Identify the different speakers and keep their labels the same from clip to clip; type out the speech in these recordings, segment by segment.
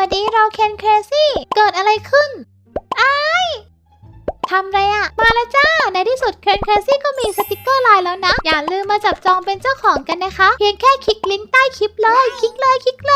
Speaker 1: ดีเราเคนเครซี่เกิดอะไรขึ้นทำไรอะมาแล้วจ้าในที่สุดเคนเครซี่ก็มีสติกเกอร์ไลน์แล้วนะอย่าลืมมาจับจองเป็นเจ้าของกันนะคะเพียงแค่คลิกลิงก์ใต้คลิปเลยคลิกเลย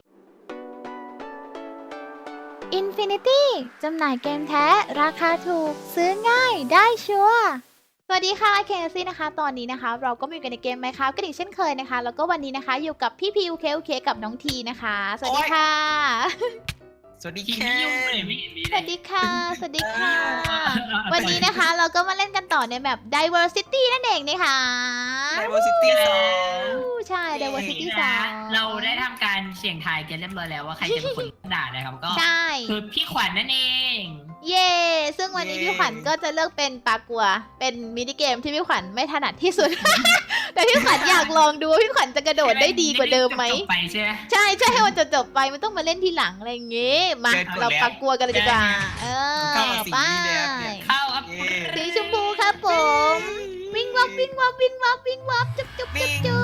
Speaker 1: Infinity จำหน่ายเกมแท้ราคาถูกซื้อง่ายได้ชัวร์สวัสดีค่ะเคนเครซี่นะคะตอนนี้นะคะเราก็มาอยู่กันในเกมไหมคะกันอีกเช่นเคยนะคะแล้วก็วันนี้นะคะอยู่กับพี่พีโอเคกับน้องทีนะคะสวัสดีค่ะ
Speaker 2: สวัสดี
Speaker 3: ที
Speaker 2: ค่ะ
Speaker 3: ไม่ยุ่งเลยไม่เห็นมี
Speaker 1: ส
Speaker 3: เลย
Speaker 1: วัสดีค่ะ สวัสดีค่ะ วันนี้นะคะเราก็มาเล่นกันต่อในแบบ diversity นั่นเองนะคะ
Speaker 2: Diversity 2
Speaker 1: ใช่ diversity
Speaker 3: นะ
Speaker 1: สาม
Speaker 3: เราได้ทำการเสี่ยงทายกันเรียบร้อยแล้วว่าใครจะเป็นคนด่านะครับก็
Speaker 1: ใช่
Speaker 3: คือพี่ขวัญนั่นเอง
Speaker 1: เย่ซึ่งวันนี้พี่ขวัญก็จะเลือกเป็นปลากัว เป็นมินิเกมที่พี่ขวัญไม่ถนัดที่สุด แต่พี่ขวัญอยากลองดูว่าพี่ขวัญจะกระโดดได้ดีกว่าเดิมไหม
Speaker 3: จบไปใช่ไหม
Speaker 1: ใช่ให้มันจบไปไม่ต้องมาเล่นทีหลังอะไรอย่างงี้มาเราปลากัวกันเลยดีกว่าเออ
Speaker 2: เข้ามาสี
Speaker 1: ไป
Speaker 2: นี้เลยครับเนี่ย
Speaker 3: เข้าครับ
Speaker 2: เย้
Speaker 1: สีชมพูครับผม วิ่งวับจุ๊บ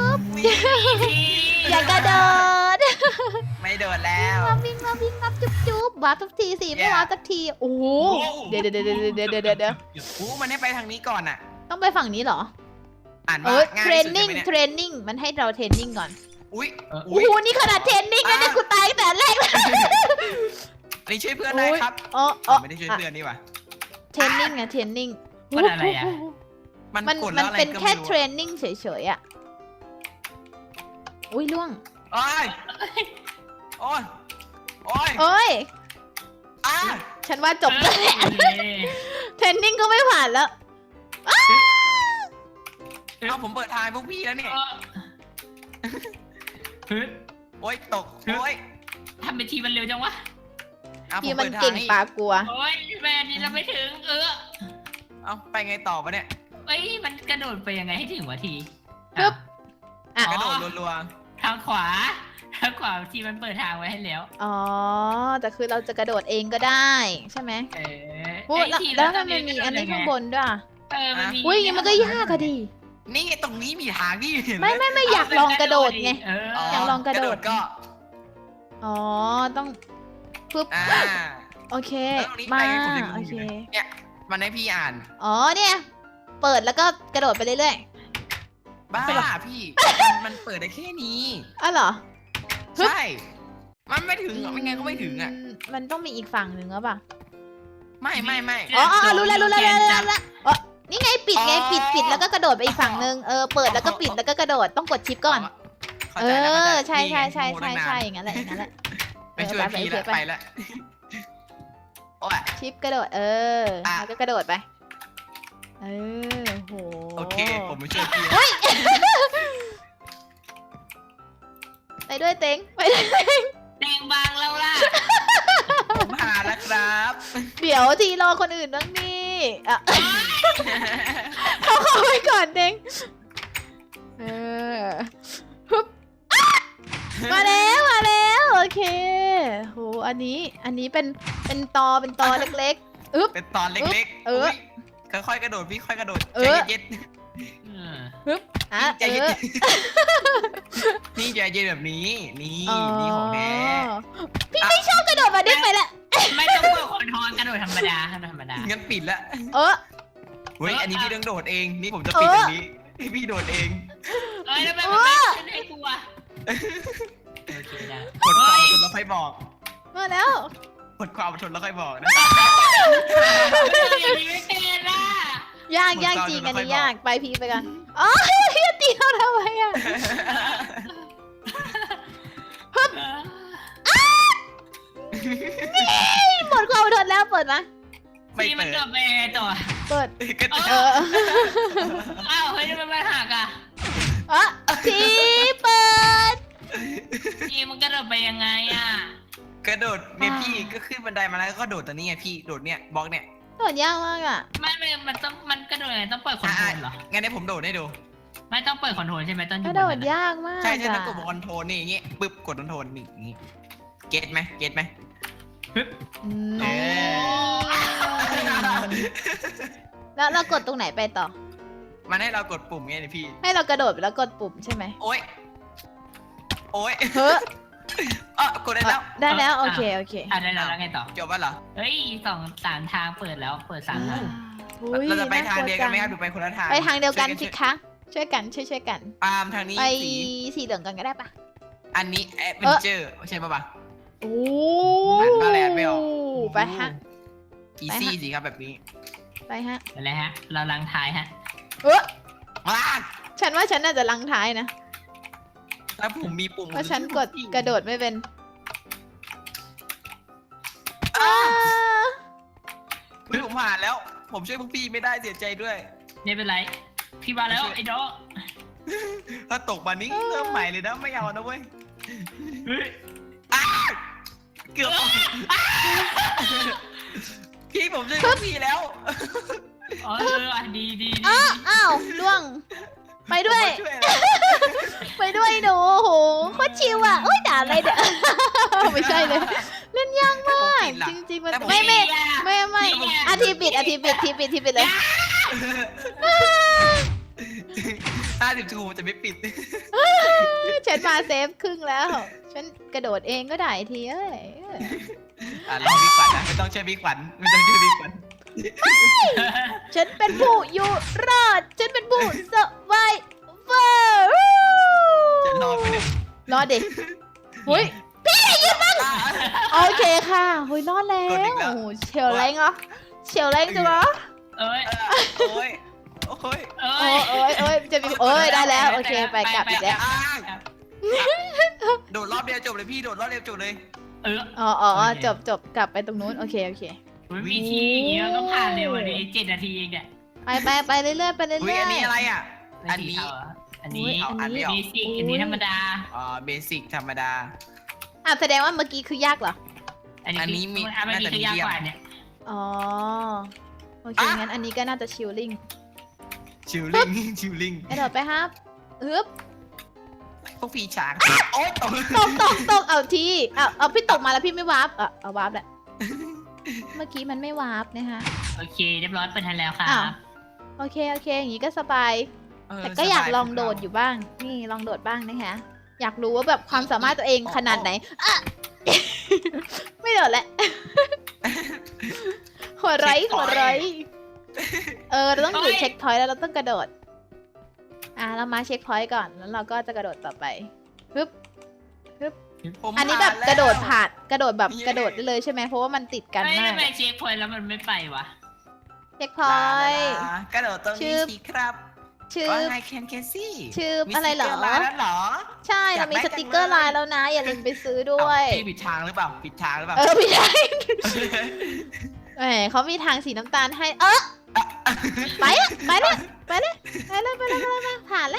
Speaker 1: อย่ากระโดด
Speaker 2: ไม่โดดแล้ว
Speaker 1: วิ่งวับจุ๊บวับสักทีสิไม่วับสักทีโอ้โหเดี๋ยว
Speaker 2: โอ้มันให้ไปทางนี้ก่อนอ่ะ
Speaker 1: ต้องไปฝั่งนี้เหรอ
Speaker 2: อ่าน
Speaker 1: เอ
Speaker 2: ว่า
Speaker 1: อ
Speaker 2: ง่าย
Speaker 1: เทร
Speaker 2: ที่
Speaker 1: น
Speaker 2: สุด
Speaker 1: นิ่ง
Speaker 2: ใช่ไหม
Speaker 1: เทรนนิ่งมันให้เราเทรนนิ่งก่อน
Speaker 2: อุ้ย
Speaker 1: โอ้โหนี่ขนาดเทรนนิ่งนะเนี่ยกูตายแต่แรกเลย
Speaker 2: อันนี้ช่วยเพื่อนได้ครับ
Speaker 1: อ๋อ
Speaker 2: ไม่ได้ช่วยเพื่อนนี่หว่า
Speaker 1: เทรนนิ่งอะเทรนนิ่ง
Speaker 3: มันอะไรอ่ะ
Speaker 2: มันกดแล้วอะไร
Speaker 1: เป็น
Speaker 2: ก็
Speaker 1: แค่
Speaker 2: ไม่
Speaker 1: เทร
Speaker 2: รู้
Speaker 1: นนิ่งเฉยๆอะอุ้ยล่วง
Speaker 2: โอ้ยโอ้ย
Speaker 1: โอ้ย
Speaker 2: อ่ะ
Speaker 1: ฉันว่าจบแล้วแหละเทรนนิ่งก็ไม่ผ่านแล้ว
Speaker 2: เอาผมเปิดทายพวกพี่แล้วเนี่ย
Speaker 3: ฮึด
Speaker 2: โอ้ยตกโอ้ย
Speaker 3: ทำเป็นทีมันเร็วจังวะ
Speaker 2: เอาผ
Speaker 1: ที่
Speaker 2: ม
Speaker 1: มัน
Speaker 2: เปิดทา
Speaker 1: เก่
Speaker 2: ย
Speaker 1: ง
Speaker 2: ให้
Speaker 1: ปลากลัว
Speaker 3: โอ้ยแม่นี่เราไม่ถึง
Speaker 2: เอาไปไงต่อปะเนี่ย
Speaker 3: เอ้ยมันกระโดดไปยังไงให้ถึงวะที
Speaker 1: ปึ๊บ อ่ะ
Speaker 2: กระโดดรัว
Speaker 3: ทางขวาทีมันเปิดทางไว้ให้แล้ว
Speaker 1: อ๋อ แต่คือเราจะกระโดดเองก็ได้ ใช่ไหม โอ้
Speaker 3: เอ้ย
Speaker 1: แล้ว
Speaker 3: ที
Speaker 1: แล้ว
Speaker 3: ต
Speaker 1: มันมีอันนี้ข้างบนด้วยอะ
Speaker 3: มันมี
Speaker 1: อุ้ยอย่างงี้มันก็ยากอะดิ
Speaker 2: ๆนี่ไงตรงนี้มีทางที่เห็นไหม
Speaker 1: ไม่อยากลองกระโดดไง
Speaker 3: เออ
Speaker 1: อยากลองกระโดด
Speaker 2: ก็
Speaker 1: อ๋อ ต้องปึ๊บ
Speaker 2: อ่า
Speaker 1: โอเค
Speaker 2: แล้วตรงนี้
Speaker 1: มา
Speaker 2: ไปผมยังง
Speaker 1: โอง
Speaker 2: อ
Speaker 1: เค
Speaker 2: ยู่เลยเนี่ยมันให้พี่อ่าน
Speaker 1: อ๋อ เนี่ย เปิดแล้วก็กระโดดไปเรื่อย
Speaker 2: บ้าพี่ มันเปิดได้แค่นี้
Speaker 1: ๆอ๋อเหรอ ฮึบ
Speaker 2: ใช่ มันไม่ถึงอ่ะไม่ไงก็ไม่ถึงอ่ะ
Speaker 1: มันต้องมีอีกฝั่งหนึ่งหรือเปล่า
Speaker 2: ไม่
Speaker 1: อ๋อรู้แล้วอ๋อนี่ไงปิดไงปิดแล้วก็กระโดดไปอีกฝั่งหนึ่งเปิดแล้วก็ปิดแล้วก็กระโดดต้องกดชิปก่อน
Speaker 2: เข้าใจแล้วเข้าใจ
Speaker 1: ใช่
Speaker 2: นี่ไงโง่ตั้งนาน
Speaker 1: อย่างนั้นแหละ
Speaker 2: ไม่ช่วยพี่ละไปละโอ้ย
Speaker 1: ชิปกระโดดแล้วก็กระโดดไปโห
Speaker 2: โอเค ผมไม่ช่วยพี่
Speaker 1: ไปด้วยเต็งไปด้วย
Speaker 3: แดงบางแล้วล่ะ
Speaker 2: ผมหาแล้วครับ
Speaker 1: เดี๋ยวทีรอคนอื่นบ้างนี่เขาเข้าไปก่อนเต็งฮึบมาแล้วโอเคโหอันนี้เป็นตอเล็กๆอึ๊บ
Speaker 2: เป็นตอนเล็กๆ
Speaker 1: เออ
Speaker 2: ยค่อยๆกระโดดพี่ค่อยกระโดด
Speaker 1: เอ
Speaker 2: ใจ
Speaker 1: อ
Speaker 2: เย็น
Speaker 1: อ่ะ
Speaker 2: ใจเย็นนี่ใจเย็นแบบนี้ นี่นี่ของแท้
Speaker 1: พี่ไม่ชอบกระโดดมาดิ้งไปแหละ
Speaker 3: ไม่ต้องเปิดคอนโทรลกระโดดธรรมดา
Speaker 2: งั้นปิดละ
Speaker 1: เออ
Speaker 2: เฮ้ย อันนี้พี่ต้องโดดเอง นี่ผมจะปิดอันนี้พี่โดดเอง
Speaker 3: เอ้ยทำไมมันไม่ขึ้นให้กูอะโอเคได้
Speaker 2: กดความอดทนแล้วค่อยบอก
Speaker 1: มาแล้ว
Speaker 2: กดความอดทนแล้วค่อยบอกนะ
Speaker 3: อย่างนี้ไม่เป็นล่ะ
Speaker 1: ยากจริงอันนี้ยากไปพีไปกันอ๋อพี่ตีเราทำไมอ่ะหมดความอดทนแล้วเปิดมา
Speaker 2: ไม่
Speaker 3: ที่มัน
Speaker 2: เปิด
Speaker 3: เกิดไปยังไงต่อ
Speaker 1: เปิด
Speaker 2: ก็
Speaker 3: อ้าวเฮ้ยทำไมมันหักอ่ะ
Speaker 1: ทีเปิด
Speaker 3: ทีมันกระโดดไปยังไงอ่ะ
Speaker 2: กระโดดเนี่ยพี่ก็ขึ้นบันไดมาแล้วก็โดดตัวนี้ไงพี่ โดดเนี่ยบล็อกเนี่ย
Speaker 1: โดดยากมากอ่ะ
Speaker 3: มันกระโดดยังไงต้องเปิดคอนโทรลเหรอ
Speaker 2: งั้นให้ผมโดดให้ดู
Speaker 3: ไม่ต้องเปิดคอนโทรลใช่ไหมต้นอก ยู่
Speaker 1: ระ
Speaker 3: บ
Speaker 1: โด
Speaker 3: น
Speaker 1: ด
Speaker 3: นั้นอะ
Speaker 1: ยากมาก
Speaker 2: ใช่ต้องกดคอนโทรลนี่อย่างงี้ปึ๊บกดคอนโทรลนี่อย่างงี้เก็ตไหมเออ
Speaker 1: แล้วเรากดตรงไหนไปต่อ
Speaker 2: มันให้เรากดปุ่มไงเนี่ยพี่
Speaker 1: ให้เรากระโดดแล้วกดปุ่มใช่ไหม
Speaker 2: โอ๊ย
Speaker 1: เฮ้อ
Speaker 2: กดได้แล้ว
Speaker 1: ได้แล้วโอเคโอเค
Speaker 3: ได้แล้วไงต่อ
Speaker 2: จบแล้วเหรอ
Speaker 3: เฮ้ย3 ทางเปิดแล้วเปิด3 ทาง
Speaker 1: อุ๊ย
Speaker 2: เราจะไปทางเดียวกันไหม
Speaker 1: าก
Speaker 2: ครับ
Speaker 1: ลั
Speaker 2: ดูไปคนละทาง
Speaker 1: ไปทางเดียวกันสิคะช่วยกันช่วยกัน
Speaker 2: ปาล์มทางนี้
Speaker 1: ไป
Speaker 2: สี
Speaker 1: สีเหลืองกันก็ได้ปะ
Speaker 2: อันนี้แอดเวนเจอร์ใช่ปะ
Speaker 1: โอ้
Speaker 2: อ่านบาแลนไม่ออก
Speaker 1: ไปฮะ
Speaker 2: อีซี่สิครับแบบนี้
Speaker 1: ไปฮะ
Speaker 3: อะไรฮะ เราลังท้ายฮะ
Speaker 2: ว้า
Speaker 1: ฉันว่าฉันน่าจะลังท้ายนะ
Speaker 2: แล้วผมมีปุ่ม
Speaker 1: เพราะฉันกดกระโดดไม่เป็น
Speaker 2: เฮ้ยผมผ่านแล้ว ผมช่วยพวกพี่ไม่ได้เสียใจด้วย
Speaker 3: ไม่เป็นไร พี่มาแล้วไอ้น้อง
Speaker 2: ถ้าตกมานี้เริ่มใหม่เลยนะไม่เอานะเว้ย
Speaker 3: เฮ้ย
Speaker 2: เกือบพี่ผมช่วยพวกพี่แล้ว
Speaker 3: ดี
Speaker 1: อ้าวล่วง ไปด้วย
Speaker 2: ผมมาช่วยแล้ว
Speaker 1: ไปด้วยหนูโอ้โหโคตรชิวอ่ะโอ้ยด่าอะไรเดี๋ยว ไม่ใช่เลย เล่นยากมาก จริงๆมันไม่อาทีปิดเลย
Speaker 2: 50 ทูจะไม่ปิด
Speaker 1: ฉันมาเซฟครึ่งแล้ว ฉันกระโดดเองก็ได้ทีเอ้ย
Speaker 2: รอพี่ขวัญนะไม่ต้องช่วยพี่ขวัญไม่ต้องช่วยพี่ขวัญ
Speaker 1: ฉันเป็นผู้อยู่รอด ฉันเป็นผู้สบายเฟอร์
Speaker 2: จะรอดไปเนี่ย
Speaker 1: รอดดิเฮ้ยโอเคค่ะเฮ้ยรอดแล้วโอ้โหเชลแรงเหรอเชลแรงจังเหรอ
Speaker 3: เอ้ย
Speaker 2: โอ้ยโอ้ย
Speaker 1: โอ้ยจะมีได้แล้วโอเคไปกลับอีกแล้ว
Speaker 2: โดดรอบเดียวจบเลยพี่โดดรอบเดียวจบเลย
Speaker 1: อ๋อจบกลับไปตรงนู้นโอเค
Speaker 3: มีทีอย่างเงี้ยต้องผ่านเร็วเลย7 นาทีเองเนี่ย
Speaker 1: ไปเรื่อยๆไปเรื่อย
Speaker 2: อุ้ยอันนี้อะไรอ่ะ อันนี้
Speaker 3: อันนี้
Speaker 2: อันนี้
Speaker 3: เบสิกอันนี้ธรรมดา
Speaker 2: เบสิกธรรมดา
Speaker 1: แสดงว่าเมื่อกี้คือยากเหรอ
Speaker 3: อันนี้มีคือยากกว่าเนี่ย
Speaker 1: อ๋อโอเคงั้นอันนี้ก็น่าจะชิลลิ่ง
Speaker 2: ชิลลิ่งชิลลิ่ง
Speaker 1: กระโดดไปครับอึ๊บ
Speaker 2: พวกพี่ช้างโอ๊ยตก
Speaker 1: ตกเอาทีเอาพี่ตกมาแล้วพี่ไม่วาร์ปเอาวาร์ปแหละเมื่อกี้มันไม่วาร์ปนะคะ
Speaker 3: โอเคเรียบร้อยเปิดทันแล้วค่ะ
Speaker 1: โอเคอย่างนี้ก็สบายแต่ก็อยากลองโดดอยู่บ้างนี่ลองโดดบ้างนะคะอยากรู้ว่าแบบความสามารถตัวเองขนาดไหนไม่โดดแหละหัวไรเราต้องอยู่เช็คพอยต์แล้วเราต้องกระโดดเรามาเช็คพอยต์ก่อนแล้วเราก็จะกระโดดต่อไปปึ๊บอันนี้แบบกระโดดผ่านกระโดดแบบกระโดดได้เลยใช่ไหมเพราะว่ามันติดกันมาก
Speaker 3: ทำไมเช็คพอยต์แล้วมันไม่ไปวะ
Speaker 1: เช็คพอยต์
Speaker 2: กระโดดตรงนี้สิครับ
Speaker 1: ชื่อ
Speaker 2: ว่าไงแคนเคซี่
Speaker 1: ชื่ออะไรเหรอ
Speaker 2: มีสติ๊กเกอร์ไลน์แล้วเหรอ
Speaker 1: ใช่เรามีสติกเกอร์ลายแล้วนะ อย่าลืมไปซื้อด้วย
Speaker 2: พี่ปิดทางหรือเปล่าปิดทางหรือเปล่า
Speaker 1: ไม่ใช่แหมเขามีทางสีน้ำตาลให้ไปเลยผ่านแล้ว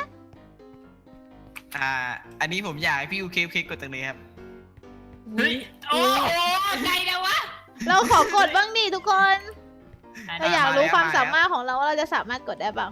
Speaker 2: อันนี้ผมอยากให้พี่อูเคกดตรงนี้ครับ
Speaker 3: เฮ้ยโอ้ไกลแล้ววะ
Speaker 1: เราขอกดบ้างดิทุกคนเราอยากรู้ความสามารถของเราว่าเราจะสามารถกดได้เปล่าก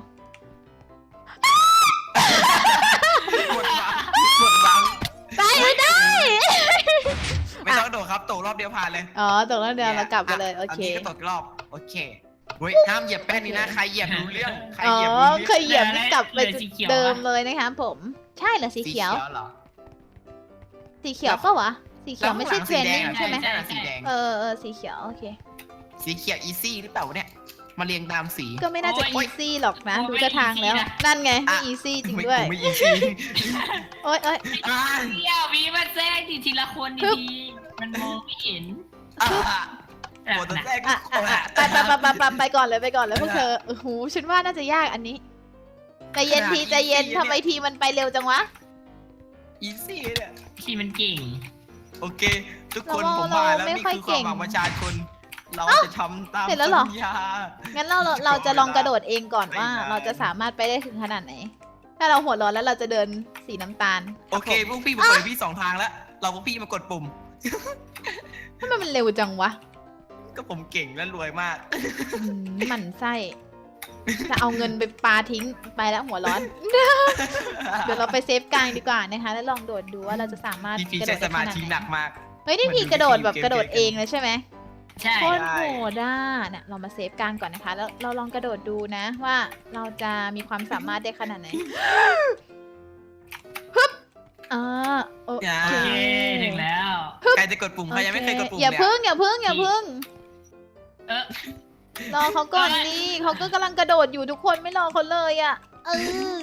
Speaker 2: ดวาง
Speaker 1: ได้ได้
Speaker 2: ไม่ต้องโดดครับตกรอบเดียวผ่านเลย
Speaker 1: ตกแล้วเดี๋ยวเรากลับกันเลยโอเค
Speaker 2: นนี้ก็ตกรอบโอเคเฮ้ยห้ามเหยียบแป้นนี้นะใครเหยียบรู้เรื่องใคร
Speaker 1: อ๋อ
Speaker 2: เหยียบรู้เรื่อง
Speaker 1: เคยเหยียบกลับไปเดิมเลยนะคะผมใช่เหรอสีเขียว
Speaker 2: เหรอ
Speaker 1: สีเขียวปะวะสีเขียวไม่ใช่เทรนนิ่งใช่ไหม
Speaker 2: สีแดง
Speaker 1: สีเขียวโอเค
Speaker 2: สีเขียวอีซี่หรือเปล่าเนี่ยมาเรียงตามสี
Speaker 1: ก็ไม่น่าจะอีซี่หรอกนะดูท่าทางแล้ว นั่นไงไม่อีซี่จริงด้วย
Speaker 2: ไม่อีซี่
Speaker 1: โอ๊ย
Speaker 3: เดี๋ยวมีมันแทรกทีละคนดีมันมองไม่เห็น
Speaker 2: โหตัวแรก
Speaker 1: ไปก่อนเลยพวกเธอโอ้โหฉันว่าน่าจะยากอันนี้ใจเย็นทีใจเย็นทำไมทีมันไปเร็วจังวะ
Speaker 2: อีซี่เนี่ย
Speaker 3: ที่มันเก่ง
Speaker 2: โอเค ทุกคนผมมาแล้วนี่คือความหวังประชาชนเราจะทำตามสัญญา
Speaker 1: งั้นเราจะลองกระโดดเองก่อนว่าเราจะสามารถไปได้ถึงขนาดไหนถ้าเราหัวร้อนแล้วเราจะเดินสีน้ำตาล
Speaker 2: โอเคพวกพี่มากดพี่2 ทางแล้วเราพวกพี่มากดปุ่ม
Speaker 1: ทำไมมันเร็วจังวะ
Speaker 2: ก็ผมเก่งและรวยมาก
Speaker 1: หมั่นไส้จะเอาเงินไปปาทิ้งไปแล้วหัวร้อน เดี๋ยวเราไปเซฟกลางดีกว่านะคะแล้วลองโดดดูว่าเราจะสามารถ
Speaker 2: พี่
Speaker 1: กระโด
Speaker 2: ใช้
Speaker 1: ด
Speaker 2: ส
Speaker 1: ได้ข
Speaker 2: มา
Speaker 1: นาด
Speaker 2: ธิ
Speaker 1: ไห
Speaker 2: หนั
Speaker 1: น
Speaker 2: กมาก
Speaker 1: เฮ้ยนี่พี่กระโดดแบบกระโดดเองเลยใช่ไหม
Speaker 3: ใช่
Speaker 1: โคตรโหดอ่ะเนี่ยเรามาเซฟกลางก่อนนะคะ แล้วเราลองกระโดดดูนะว่าเราจะมีความสามารถได้ขนาดไหนโอ
Speaker 2: อย่า
Speaker 1: เค
Speaker 3: โอเคถึงแล้ว
Speaker 2: ใครจะกดปุ่มใครยังไม่เคยกดปุ่ม
Speaker 1: อย่า
Speaker 2: เนี่ย
Speaker 1: พึ่งอย่าพึ่งอย่าพึ่ง
Speaker 3: เออ
Speaker 1: รอเขาก่อนดิเขาก็กำลังกระโดดอยู่ทุกคนไม่รอเขาเลยอ่ะเออ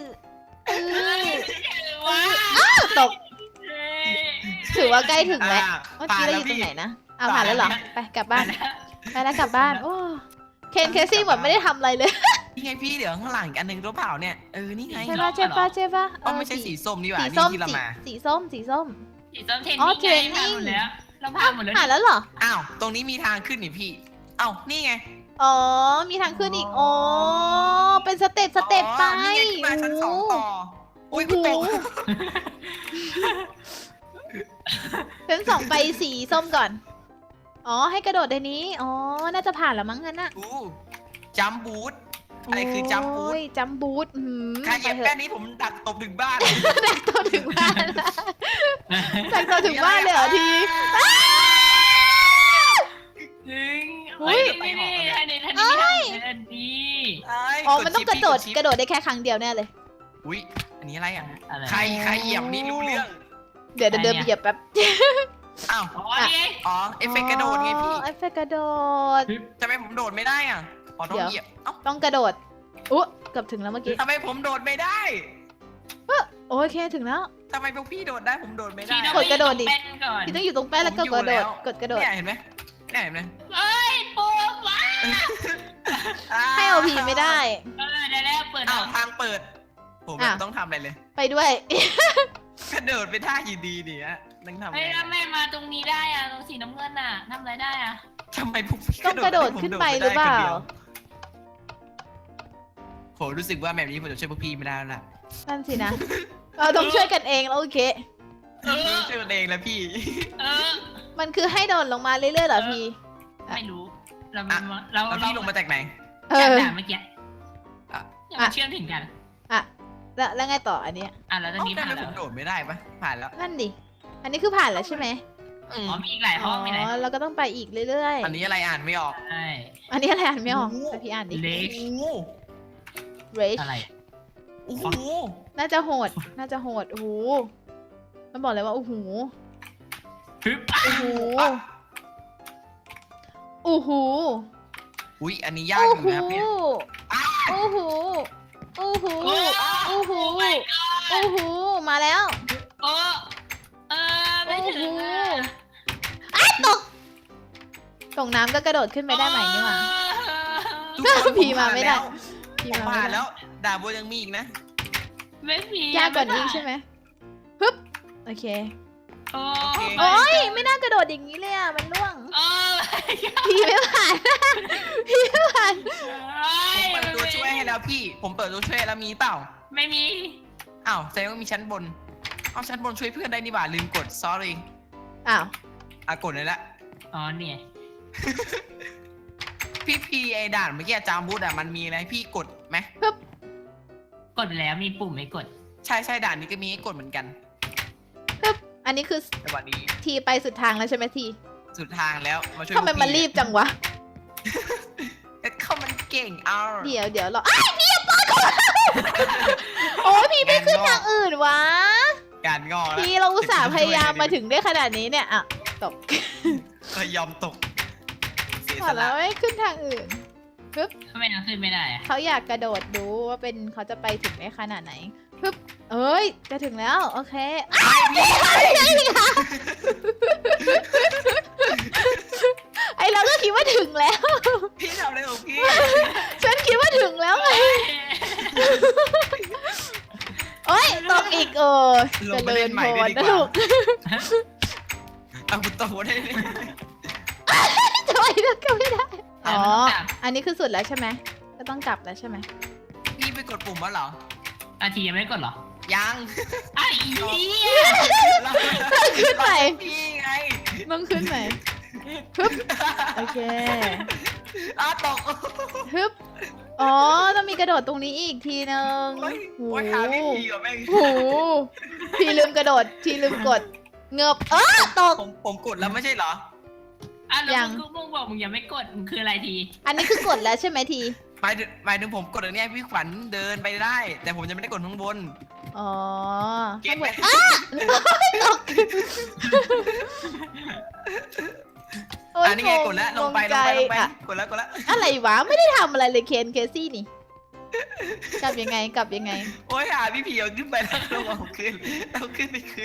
Speaker 1: ตกถือว่าใกล้ถึงแล้วเมื่อกี้เราอยู่ตรงไหนนะผ่านแล้วเหรอไปกลับบ้านไปแล้วกลับบ้านโอ้เคนเคซี่เหมือนไม่ได้ทำอะไรเลย
Speaker 2: นี่ไงพี่เดี๋ยวข้างหลังอีกอันหนึงรู้เปล่าเนี่ยนี่ไง
Speaker 1: ใช่ป่ะใช่ป่ะใช่ป่ะ
Speaker 2: ก็ไม่ใช่สีส้มนี่หว่า
Speaker 1: สี
Speaker 2: นี่
Speaker 1: ส้ม
Speaker 2: ที่เรามา
Speaker 1: สีส้มสีส้ม
Speaker 3: สีส้มเทน
Speaker 1: อ๋อ
Speaker 3: นิ่ง
Speaker 1: เทรนนิ่ง
Speaker 3: หมดแล้วเราผ่านหมดแล้ว
Speaker 1: ผ่านแล้วเหรอ
Speaker 2: อ้าวตรงนี้มีทางขึ้นนี่พี่เอ้านี่ไง
Speaker 1: อ๋อมีทางขึ้นอีกอ๋อเป็นสเต็ปไป
Speaker 2: นี่ไงขึ้นมาชั้นสองต่ออุ้ยกูตก
Speaker 1: ชั้นสองไปสีส้มก่อนอ๋อให้กระโดดในนี้อ๋อน่าจะผ่านแล้วมั้งงั้นน่ะ
Speaker 2: จัมบูทอะไรคือจัมบูท
Speaker 1: จัมบูท
Speaker 2: ใครเหยียบแป้นนี้ผมดักตบถึงบ้าน
Speaker 1: ดักตัวถึงบ้านละดักตัวถึงบ้านเลยเหรอที
Speaker 3: จริง
Speaker 1: อุ๊ย
Speaker 3: นี่ทันทีทันที
Speaker 1: อ๋อมันต้องกระโดดได้แค่ครั้งเดียวแน่เลย
Speaker 2: อุ้ยอันนี้อะไรอ่ะ
Speaker 3: อะไร
Speaker 2: ใครเหยียบนี่รู้เรื่อง
Speaker 1: เดี๋ยวเดินไปเหยียบแป๊บ
Speaker 2: อ้าว
Speaker 3: อ๋อนี่
Speaker 2: อ๋อเอฟเฟกต์กระโดดไงพี่
Speaker 1: เอฟเฟกต์กระโดด
Speaker 2: ทำไมผมโดดไม่ได้อ่ะอ๋อต้อง
Speaker 1: เดี๋ยว
Speaker 2: เหยียบเอ้า
Speaker 1: ต้องกระโดดอุ๊เกือบถึงแล้วเมื่อกี้
Speaker 2: ทำไมผมโดดไม่ได้
Speaker 1: โอเคถึงแล้ว
Speaker 2: ทำไมพวกพี่โดดได้ผมโดดไม่ได้
Speaker 1: กดกระโดดดิ
Speaker 3: แป้นก่อน
Speaker 1: พี่ต้องอยู่ตรงแป้นแล้วก็กระโดดกดกระโดด
Speaker 2: เนี่ยเห็นไหมเนี่ยเห็นไหม
Speaker 3: เอ้ยปูว้า
Speaker 1: ให้โอพีไม่ได้
Speaker 3: ได้แล้วเปิด
Speaker 2: อ้าวทางเปิด ผม
Speaker 1: อ้าว
Speaker 2: ต้องทำอะไรเลย
Speaker 1: ไปด้วย
Speaker 2: กระโดดไปท่ายีดีๆเนี่ยต้องทำ
Speaker 3: เฮ้ย
Speaker 2: ไง
Speaker 3: แล้วแม่มาตรงนี้ได้อะตรงสีน้ำเงินน่ะทำอะไรได้อะ
Speaker 2: ทำไมพวกพี่
Speaker 1: ต้องกระโดดขึ้นไปหรือเปล่า
Speaker 2: ผมรู้สึกว่าแบบนี้ผมจะช่วยพวกพี่ไม่ได้แล้วล่ะ
Speaker 1: นั่นสินะ เราต้องช่วยกันเองแล้วโอเค
Speaker 2: ช่วยกันเองแล้วพี่
Speaker 3: เออ
Speaker 1: มันคือให้โดดลงมาเรื่อยๆเหรอพี่
Speaker 3: ไม่รู้เรา
Speaker 2: แล้วพี่ลงมาจากไหน
Speaker 1: เอ
Speaker 3: จาก
Speaker 1: อ
Speaker 3: ด่านเมื่อกี้ยังไม่เชื่อมถึงกัน
Speaker 1: แล้วไงต่ออันเนี้ย
Speaker 3: แล้วตอน
Speaker 2: เอ้า
Speaker 3: นี้
Speaker 2: ทำ
Speaker 3: ผ่าน
Speaker 2: ไม
Speaker 3: แล้
Speaker 2: ผ
Speaker 3: ว
Speaker 2: มโดดไม่ได้ปะผ่านแล้ว
Speaker 1: นั่นดิ อันนี้คือผ่านแล้วใช่ไหม
Speaker 2: อืม
Speaker 3: อ๋อมีอีกหลายห้องมีหลายห้อง
Speaker 1: เราก็ต้องไปอีกเรื่อย
Speaker 2: อันนี้อะไรอ่านไม่ออก
Speaker 3: ใช่
Speaker 1: ๆ อันนี้อะไรอ่านไม่ออกแต่พี่อ่านดิ
Speaker 3: เล็ก
Speaker 2: โอ้โห
Speaker 1: rage
Speaker 3: อะไร
Speaker 2: โอ้โห
Speaker 1: น่าจะโหด น่าจะโหด โอ้โห มันบอกเลยว่า โอ้โห
Speaker 3: ฮึบ
Speaker 1: โอ้โห โอ้โห
Speaker 2: อุ้ยอันนี้ยากอยู่นะครับเนี่ย
Speaker 1: โอ้โห โอ้โห โอ้โห โอ้โห มาแล้ว
Speaker 3: โอ้ไม่ถึงอ่ะ
Speaker 1: ตกน้ำก็กระโดดขึ้นไปได้ไหมนี่หว่า
Speaker 2: ทุกคน
Speaker 1: พี่มาไม่ได้ พี่
Speaker 2: ผม
Speaker 1: มา
Speaker 2: ผ่าน
Speaker 1: ไม่ได้
Speaker 2: แล้วด่าโบยังมีอีกนะ
Speaker 3: ไม่มี
Speaker 1: ยากกว่านี้อีกใช่ไหมฮึบ โอเค
Speaker 3: โอ้
Speaker 1: โอ้ยไม่น่ากระโดดอย่างนี้เลยอ่ะ มันล่วง
Speaker 3: โอ้
Speaker 1: พี่ไม่ผ่าน พี่ไม่ผ่าน
Speaker 2: ผมเปิดตัวช่วยให้แล้วพี่ ผมเปิดตัวช่วยแล้วมีเปล่า
Speaker 3: ไม่มี
Speaker 2: อ้าวแสดงว่ามีชั้นบนเอาชั้นบนช่วยเพื่อนได้นี่หว่าลืมกด sorry
Speaker 1: อ้าว
Speaker 2: กดเลยละ
Speaker 3: อ๋อเนี่ย
Speaker 2: พี่ไอด่านเมื่อกี้จามบูธมันมีอะไรพี่กดไหม
Speaker 3: กดแล้วมีปุ่มไม่กด
Speaker 2: ใช่ด่านนี้ก็มีให้กดเหมือนกัน
Speaker 1: อันนี้คือ
Speaker 2: แต่วันนี้
Speaker 1: ทีไปสุดทางแล้วใช่ไหมที
Speaker 2: สุดทางแล้วมาช่วย
Speaker 1: ทำไมมันรีบจังวะ
Speaker 2: เขามันเก่งเอา
Speaker 1: เดี๋ยวรออ้ายพี่อย่าเปิดก่อนโอ้ยพี่ไม่ขึ้นทางอื่นวะ
Speaker 2: การงอแล้ว
Speaker 1: พี่เราอุตส่าห์พยายามมาถึงได้ขนาดนี้เนี่ยอ่ะตก
Speaker 2: ยอมตกเสีย
Speaker 1: ข
Speaker 2: ส
Speaker 1: อแล้
Speaker 2: ละ
Speaker 1: วไม่ขึ้นทางอื่น
Speaker 3: ทำไมนังขึ้นไม่ได้อะ
Speaker 1: เขาอยากกระโดดดูว่าเป็นเขาจะไปถึงได้ขนาดไหนปึ๊บเอ้ยจะถึงแล้วโอเคไอเราก็คิดว่าถึงแล้ว
Speaker 2: พี่ทำอะไรของพี่
Speaker 1: ฉันคิดว่าถึงแล้วไงโอ้ยตกอีก
Speaker 2: ลงไป
Speaker 1: จะเดิ
Speaker 2: เล่
Speaker 1: น
Speaker 2: น
Speaker 1: โผ
Speaker 2: ใหม่
Speaker 1: ล่
Speaker 2: ได้ดี
Speaker 1: นะ
Speaker 2: กว่า
Speaker 1: ลูก
Speaker 2: เอาคุณโตได้เลย
Speaker 1: จะไปแล้วก็ไม่ได้อ๋อ
Speaker 3: แล้วมันต้องกลับ
Speaker 1: อันนี้คือสุดแล้วใช่ไหมก็ต้องกลับแล้วใช่ไหม
Speaker 2: พี่ไปกดปุ่มวะเหรอ
Speaker 3: อาทียังไม่กดเหรอ
Speaker 2: ยัง
Speaker 3: ไอ้เหี้ย
Speaker 1: ขึ้นไหน
Speaker 2: พี่ไง
Speaker 1: ต้องขึ้นไหนฮึบโอเค
Speaker 2: ตก
Speaker 1: ฮึบอ๋อต้องมีกระโดดตรงนี้อีกทีนึง
Speaker 2: โอ้ย
Speaker 1: โอ้
Speaker 2: โอ้ยหาพี่พีกับแม่ง
Speaker 1: โหพี่ลืมกระโดดพี่ลืมกดเงือบตก
Speaker 2: ผมกดแล้วไม่ใช่เหรอ
Speaker 3: อ่ะแล้ว
Speaker 1: ยัง
Speaker 3: มึงบอกมึงยังไม่กดมึงคืออะไรที
Speaker 1: อันนี้คือกดแล้วใช่ไหมที
Speaker 2: หมายถึงผมกดอันนี้พี่ขวัญเดินไปได้ แต่ผมจะไม่ได้กดข้างบน
Speaker 1: อ๋อ
Speaker 2: เก็บไหม
Speaker 1: โอ๊ย
Speaker 2: อันนี้ไงกดแล้วลงไป
Speaker 1: ใจอะ
Speaker 2: กดแล้ว
Speaker 1: อะไรวะไม่ได้ทำอะไรเลยเคซี่นี่กลับยังไง
Speaker 2: โอ้ยหาพี่ผีเอาขึ้นไปแล้วลงเอาขึ้นไปขึ้น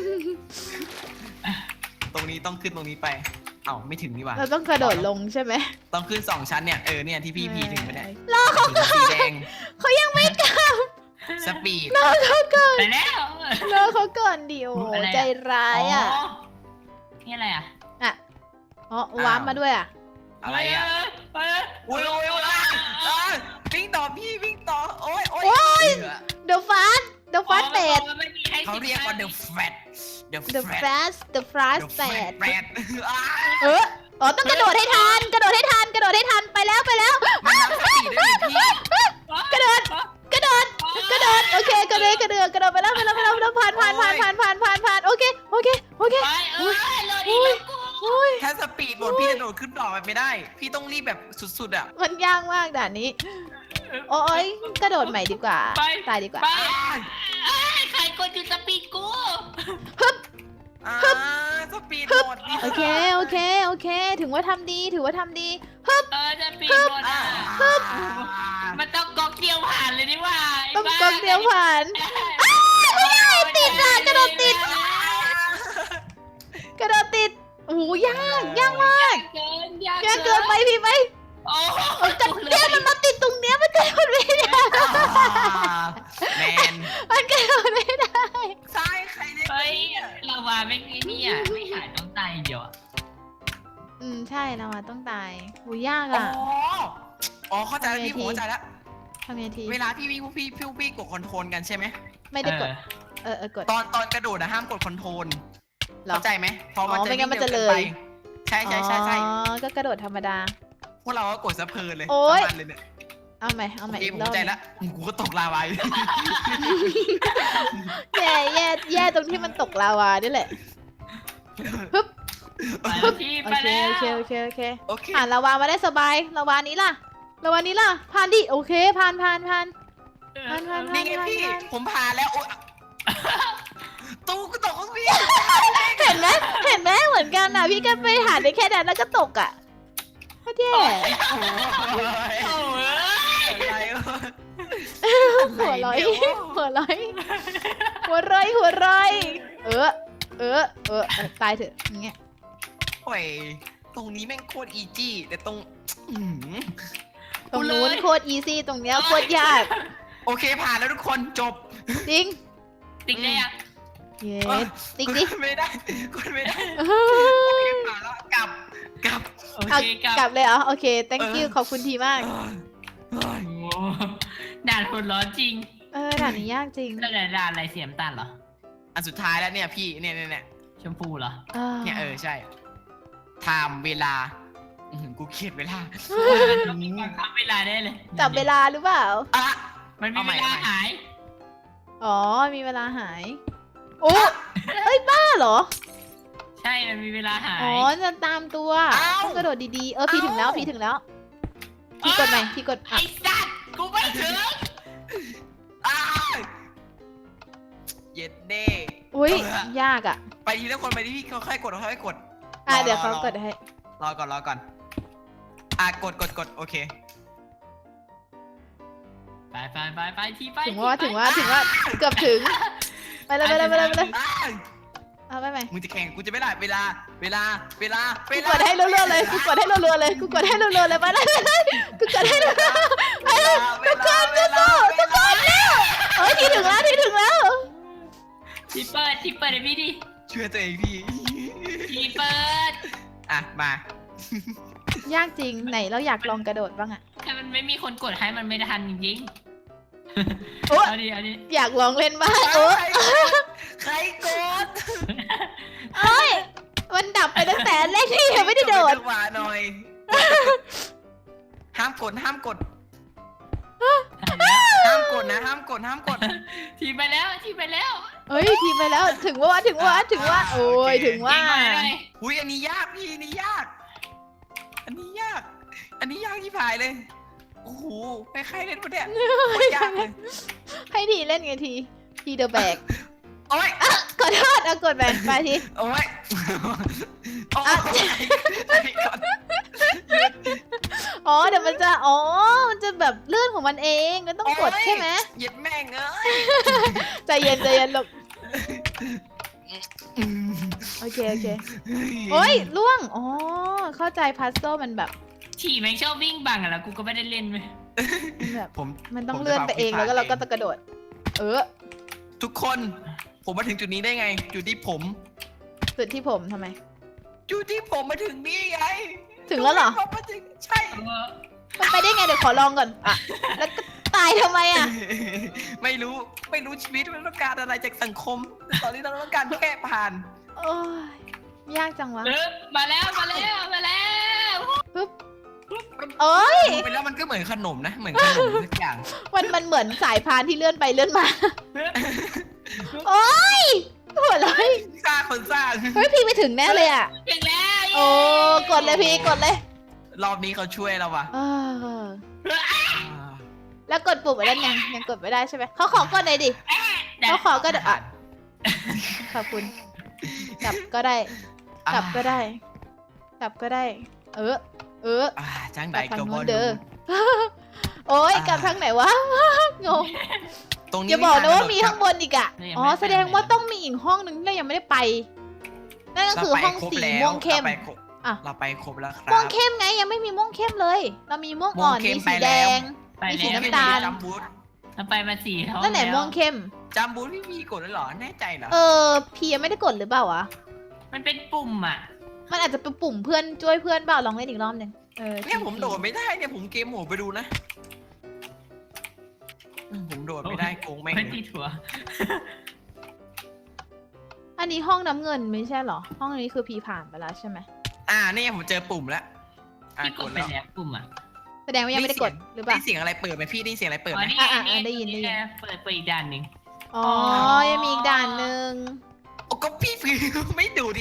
Speaker 2: ตรงนี้ต้องขึ้นตรงนี้ไปเอ้าไม่ถึงนี่หว่า
Speaker 1: เราต้องกระโดดลงใช่ไหม
Speaker 2: ต้องขึ้น2 ชั้นเนี่ยเนี่ยที่พี่พีถึงไปได้
Speaker 1: รอเขา
Speaker 2: ถึงสีแดง
Speaker 1: เขายังไม่กลับ
Speaker 2: สปีด
Speaker 1: รอเขาก่อน
Speaker 3: ไปแล้ว
Speaker 1: รอเขาก่อนดิโอ
Speaker 3: อะไรอะ
Speaker 1: ใจร้ายอ่ะ
Speaker 3: นี่อะไรอ่ะ
Speaker 1: อ่ะอ๋อวาร์ปมาด้วยอ่ะ
Speaker 2: อะไรอ่ะ
Speaker 3: ไป
Speaker 2: โอ้ยวิ่งต่อพี่วิ่งต่อโอ้ย
Speaker 1: เดอะฟาสเบด
Speaker 2: เขาเรียกว่า the fat
Speaker 1: The fast the fast
Speaker 2: แป
Speaker 1: bad
Speaker 2: ด
Speaker 1: อ๋อต้องกระโดดให้ทันไปแล้ว
Speaker 2: มันนับสปีดได้หรือพี่
Speaker 1: กระโดดโอเคกระโดดไปแล้วผ่านโอเค
Speaker 3: ไปเลยอีก
Speaker 1: โอ้ย
Speaker 2: ถ้าสปีดหมดพี่จะโดดขึ้นต่อไปไม่ได้ พี่ต้องรีบแบบสุดๆอ่ะ
Speaker 1: มันยากมากด่านนี้ โอ้ยกระโดดใหม่ดีกว่าตายดีกว่า
Speaker 3: ไปใครกดอยู่สปีดกู
Speaker 2: สปีดหมด
Speaker 1: โอเคถือว่าทำดี
Speaker 3: จะปีดหมดอ่ะมันต้องก๊อกเดียวผ่านเลยนี่ว่า
Speaker 1: ต้องกดเดียวผ่านติดอ่ะกระโดดติดโอ้โหยากมาก
Speaker 3: เกิน
Speaker 1: ยากเกินไปพี่ไป
Speaker 3: โอ้
Speaker 1: เนี่ยมันมาติดตรงเนี้ยมันกระโดดไม่ได้
Speaker 2: แมน
Speaker 1: มันกระโดดไม่ได้
Speaker 2: ซ้ายใครเนี่ย
Speaker 3: เฮ้ยเราว่าไม่นี่อ่ะไม่หายต้องตายเดียวอ่ะ
Speaker 1: ใช่เราอะต้องตายโหยาก
Speaker 2: อ๋
Speaker 1: อ่ะ
Speaker 2: เข้าใจแล้วพี่ผมเข้าใจแล้ว
Speaker 1: ทำยังไงที
Speaker 2: เวลาพี่วิ่งพี่กดคอนโทรลกันใช่ไหม
Speaker 1: ไม่ได้กดกด
Speaker 2: ตอนกระโดดห้ามกดคอนโทรล
Speaker 1: หรอ
Speaker 2: เข้าใจไหมเพราะมัน
Speaker 1: ไม่งั้นมันจะเลย
Speaker 2: ใช่
Speaker 1: อ๋อก็กระโดดธรรมดา
Speaker 2: พวกเราก็กดสะเพลินเลย
Speaker 1: โอ๊ย
Speaker 2: ทั้งวันเลยเนี่ย
Speaker 1: เอาใหม่
Speaker 2: โอเค
Speaker 1: อีก
Speaker 2: ผม
Speaker 1: รอบ
Speaker 2: เข้าใจแล้วกูก็ตกลาวาอยู่
Speaker 1: แย่ตรงที่มันตกลาวานี่แหละ
Speaker 3: พี่
Speaker 1: โอ
Speaker 3: ไป
Speaker 1: เค
Speaker 3: แล้ว
Speaker 1: โอเค
Speaker 2: โอเค
Speaker 1: ผ่านลาวามาได้สบายลาวานี้ล่ะผ่านดิโอเคผ่าน
Speaker 2: นี่ไงพี่ผมผ่านแล้วโอ๊ยตู้ก็ตกของพี่
Speaker 1: เห็นไหมเหมือนกันอ่ะพี่ก็ไปหาได้แค่นั้นแล้วก็ตกอ่ะก็แย่
Speaker 3: โอ้ย
Speaker 2: อะไรวะ
Speaker 1: หัวร้อยตายเถอะอย่างเงี้ย
Speaker 2: โอ้ยตรงนี้แม่งโคตรอีจี้แต่ตรง
Speaker 1: ตรงนู้นโคตรอีซี่ตรงเนี้ยโคตรยาก
Speaker 2: โอเคผ่านแล้วทุกคนจบ
Speaker 1: จริง
Speaker 3: ติ๊กได้ยัง
Speaker 1: เย้ติ๊กดิ
Speaker 2: กดไม่ได้โอเคผ่านแล้วกลับ
Speaker 3: โอ
Speaker 1: เอา
Speaker 3: เค
Speaker 1: กลับเลยเหรอโอเค thank you ขอบคุณทีมาก
Speaker 3: ด่านคนร้อนจริง
Speaker 1: ด่านนี้ยากจริง
Speaker 3: แล้วด่านอะไรเสียมตันเหรอ
Speaker 2: อันสุดท้ายแล้วเนี่ยพี่เนี่ย
Speaker 3: ชมพูเหรอ
Speaker 2: เนี่ยใช่ไทม์เวลากูเครียดเวลา
Speaker 3: ต้องมีการทำเวลาได้เลย
Speaker 1: จับเวลาหรือเปล่า
Speaker 2: อ่ะ
Speaker 3: มันมีเวลาหาย
Speaker 1: อ๋อมีเวลาหายโอ้เอ้ยบ้าเหรอ
Speaker 3: ใช่มันมีเวลาหาย
Speaker 1: อ๋อจะตามตัวต้องกระโดดดีๆพี่ถึงแล้วพี่กดไหมพี่กด
Speaker 3: ไอ้สัตว์กูไม่ถึง
Speaker 2: เย็ดเด้
Speaker 1: อุ้ยยากอ่ะ
Speaker 2: ไปทีละคนไปที่พี่เขาค่อยกด
Speaker 1: เดี๋ยวเขากดให้
Speaker 2: รอก่อนกดโอเค
Speaker 3: ไปที่ไป
Speaker 1: ถึงว่าเกือบถึงไปเลยเอาไปไหม
Speaker 2: มึงจะแข่งกูจะไม่ได้เวลา
Speaker 1: กูกดให้รัวๆเลยกูกดให้รัวๆเลยไปเลยกูกดให้รัวๆไปเลยทุกคนสู้แล้วเฮ้ยที่ถึงแล้ว
Speaker 3: ที่เปิดให้พี่ดิ
Speaker 2: ช่วยตัวเองพี่
Speaker 3: ที่เปิด
Speaker 2: อ่ะมาย
Speaker 1: ากจริงไหนเราอยากลองกระโดดบ้างอะ
Speaker 3: ถ้ามันไม่มีคนกดให้มันไม่ทันจริง
Speaker 1: โอ้
Speaker 3: เอาดิ
Speaker 1: อยากลองเล่นบ้าง
Speaker 2: ใครกด
Speaker 1: เอ้ยมันดับไปตั้งแต่แรกที่ยังไม่ได้โดด
Speaker 2: จังหวะหน่อยห้ามกดนะห้ามกด
Speaker 3: ทีไปแล้ว
Speaker 1: เฮ้ยทีไปแล้วถึงว่าโอ้ยถึงว่า
Speaker 2: อุ้ยอันนี้ยากพี่อันนี้ยากที่ผายเลยโอ้โหใครเล่นวะเนี่ยโคตรยากเลย
Speaker 1: ให้ทีเล่นไงทีเดอะแบก
Speaker 2: โอ้ย
Speaker 1: ขอโทษเอากดแบกไปที
Speaker 2: โอ้ยโอ้ย
Speaker 1: อ๋อเดี๋ยวมันจะแบบเลื่อนของมันเองก็ต้องกดใช่ไหม
Speaker 2: เหย็ดแม่งเอ้ย
Speaker 1: ใจเย็นลูกโอเคโอ้ยล่วงอ๋อเข้าใจพัซโซมันแบบ
Speaker 3: ฉี่แม่งชอบวิ่งบังอะแล้วกูก็ไม่ได้เล่นเลย
Speaker 1: แบบ
Speaker 2: ผม
Speaker 1: มันต้องเลื่อนไปเองแล้วก็เราก็จะกระโดด
Speaker 2: ทุกคนผมมาถึงจุดนี้ได้ไงจุดที่ผม
Speaker 1: สุดที่ผมทำไม
Speaker 2: จุดที่ผมมาถึงนี่ไง
Speaker 1: ถึงแล้วเหรอ
Speaker 2: ผมมาถึงใช่
Speaker 1: มันไปได้ไงเดี๋ยวขอลองก่อนอ่ะแล้วก็ตายทำไมอ่ะ
Speaker 2: ไม่รู้ชีวิตมันต้องการอะไรจากสังคม ตอนนี้เราต้องการแค่ผ่าน
Speaker 1: โอ้ยยากจังวะ
Speaker 3: มาแล้ว
Speaker 1: ปึ๊บเอ้ย
Speaker 2: ดูไปแล้วมันก็เหมือนขนมนะเหมือนขนมทุกอย่าง
Speaker 1: มันเหมือนสายพานที่เลื่อนไปเลื่อนมา โอ้ยหัวเลย
Speaker 2: สร้างคนสร้าง
Speaker 1: เฮ้ยพี่ไปถึงแน่เลยอ่ะ
Speaker 3: ถึงแล้ว
Speaker 1: โอ้กดเลยพี่กดเลย
Speaker 2: รอบนี้เขาช่วยเราว่ะ
Speaker 1: เออแล้วกดปุ่มอะไรยังกดไม่ได้ใช่ไหมเขาขอกดหน่อยดิเขาขอก็เดี๋ยวอ่ะขอบคุณกลับก็ได้กลับก็ได้ เออ
Speaker 2: จ้าง
Speaker 1: ก
Speaker 2: ไหน
Speaker 1: ลับทาง
Speaker 2: ก็บ
Speaker 1: นู้
Speaker 2: อน ล
Speaker 1: เด้อโอ้ยกลับทางไหนวะงง
Speaker 2: ตรงนี้
Speaker 1: อย่าบอกนะว่ามี
Speaker 2: ไท
Speaker 1: ข้างบนอีกอ่ะอ๋อแสดงว่าต้องมีอีกห้องหนึ่งที่เรายังไม่ได้ไปนั่นก็คือห้องสีม่วงเข้ม อ่ะ
Speaker 2: เราไปครบแล้วครับ
Speaker 1: ม่วงเข้มไงยังไม่มีม่วงเข้มเลย เรามีม่วงอ่อน
Speaker 2: ม่วงเข้
Speaker 1: มี
Speaker 2: ม
Speaker 1: สี
Speaker 2: ไป
Speaker 1: แด
Speaker 2: แล้ว
Speaker 1: ง
Speaker 3: ไป
Speaker 1: มีสี
Speaker 3: แล้ว
Speaker 1: น้ำตาล
Speaker 2: จัมบูท
Speaker 3: เราไปมา4 ท้อง
Speaker 1: นั่นไหนม่วงเข้ม
Speaker 2: จัมบูทพี่มีกดแล้วเหรอแน่ใจเหรอ
Speaker 1: พี่ยังไม่ได้กดหรือเปล่าวะ
Speaker 3: มันเป็นปุ่มอ่ะ
Speaker 1: มันอาจจะเป็นปุ่มเพื่อนช่วยเพื่อนเปล่าลองเล่นอีกรอบหนึ่ง
Speaker 2: เนี่ยผมโดดไม่ได้เนี่ยผมเกมโหมไปดูนะผมโดดไม่ได้โกงแม่ง
Speaker 3: ไม่
Speaker 2: เลย
Speaker 3: ที่ถั่ว
Speaker 1: อันนี้ห้องน้ำเงินไม่ใช่เหรอ ห้องนี้คือพีผ่านไปแล้วใช่ไหม
Speaker 2: นี่ผมเจอปุ่มแล้ว
Speaker 3: ที่ก
Speaker 2: ก
Speaker 3: ด
Speaker 2: ด
Speaker 3: ไป
Speaker 2: แล้ว
Speaker 3: แล้วปุ่มอ่ะ
Speaker 1: แสดงว่ายังไม่ได้กดหรือเป
Speaker 2: ได้
Speaker 1: ล่า
Speaker 2: เสียงอะไรเปิดไหมพี่ได้เสียงอะไรเปิดไหม
Speaker 1: ได้ยิน
Speaker 3: เปิดอีกด่านหนึ่ง
Speaker 1: อ๋อยังมีอีกด่านหนึ่ง
Speaker 2: โอ้ก็พี่ฟิวไม่ดูดี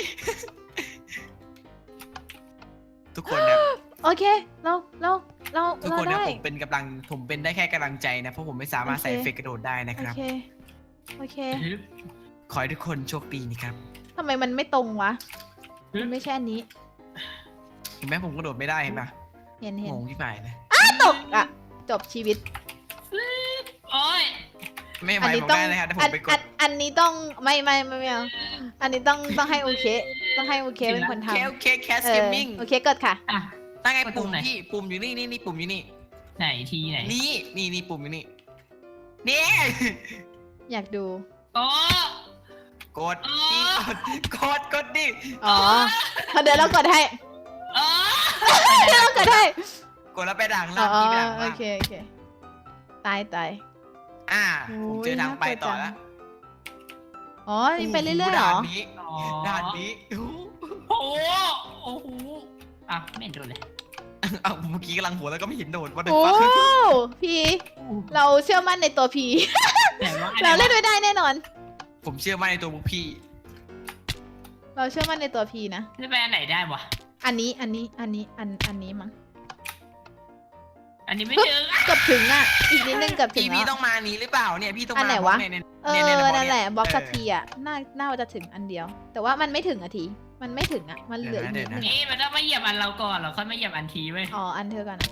Speaker 2: ทุกคนนะ
Speaker 1: โอเคเรา
Speaker 2: ทุกคนนะ
Speaker 1: ได้
Speaker 2: ผมเป็นได้แค่กำลังใจนะเพราะผมไม่สามารถใส่เอฟเฟกต์กระโดดได้นะ
Speaker 1: โอ
Speaker 2: ครับ
Speaker 1: เค
Speaker 2: ขอให้ทุกคนโชคดีนะครับ
Speaker 1: ทำไมมันไม่ตรงวะมันไม่ใช่อันนี้
Speaker 2: เห็นไหมผมกระโดดไม่ได้เห็นปะ
Speaker 1: เห็น
Speaker 2: งงที่ไหนเลย
Speaker 1: ตกอ่ะจบชีวิต
Speaker 3: โอ้ย
Speaker 2: ไม่ไหว
Speaker 1: อันนี้
Speaker 2: ผม
Speaker 1: ต้อง
Speaker 2: ได้เลยครับแต่ผมไปกด
Speaker 1: อันนี้ต้องไม่เอาอันนี้ต้องให้โอเคต้องให้โอเคเป็นคนทำ
Speaker 2: โอเคแคสเกมมิ่ง
Speaker 1: โอเคกดค่ะ
Speaker 3: อ่ะ
Speaker 2: ตั้งไง
Speaker 3: กดตร
Speaker 2: ปุ่
Speaker 3: ง
Speaker 2: ม
Speaker 3: ไหน
Speaker 2: พี่ปุ่มอยู่นี่ปุ่มอยู่นี่
Speaker 3: ไหนทีไหน
Speaker 2: นี่ปุ่มอยู่นี่นี่
Speaker 1: อยากดู
Speaker 3: โอ้
Speaker 2: กดพี่กดดิ
Speaker 1: อ๋อเดี๋ยวเรากดให้
Speaker 3: โอ้
Speaker 1: เดี๋ยวเรากดให้
Speaker 2: กดแล้วไปด่าง
Speaker 1: อ๋
Speaker 2: ล่าง
Speaker 1: อ
Speaker 2: พี่ไปด่าง
Speaker 1: โอ
Speaker 2: ล่าง
Speaker 1: เคตาย
Speaker 2: ผมเจอทางไปต่อแล้ว
Speaker 1: อ๋อนี่ไปเรื่อยๆเหรอ
Speaker 2: ด่านนี้
Speaker 3: โอ้โหอ่ะไม่เห็นโดนเลย
Speaker 2: เอาเมื่อกี้กำลังหัวแล้วก็ไม่เห็นโดดว่าเดิน
Speaker 1: โอ้
Speaker 2: ฟ้า
Speaker 1: พี่เราเชื่อมั่นในตัวพี่
Speaker 3: แต่ว่า
Speaker 1: เราเล่นไม่ได้แน่นอน
Speaker 2: ผมเชื่อมั่นในตัวพวกพี่
Speaker 1: เราเชื่อมั่นในตัวพี่นะ
Speaker 3: จะไปอันไหนได้วะ
Speaker 1: อันนี้มั้ง
Speaker 3: อันนี้ไม่ถึง
Speaker 1: เกือบถึงอ่ะอีกนิดนึงเกือบถึง
Speaker 2: พี่
Speaker 1: แล้ว
Speaker 2: ต้องมานี้หรือเปล่าเนี่ยพี่ต้อง
Speaker 1: อั
Speaker 2: มาน
Speaker 1: ไหนวะ
Speaker 2: เนี่ย
Speaker 1: นั่นแหละบล็อกสักทีอ่ะน่าจะถึงอันเดียว แต่ว่ามันไม่ถึงอ่ะทีมันไม่ถึงอ่ะมันเหลืออีกนิดนึง
Speaker 3: นี่มันต้องมาเหยียบอันเราก่อนเราค่อยมาเหยียบอันทีเว้ย
Speaker 1: อ๋ออันเธอก่อนนะ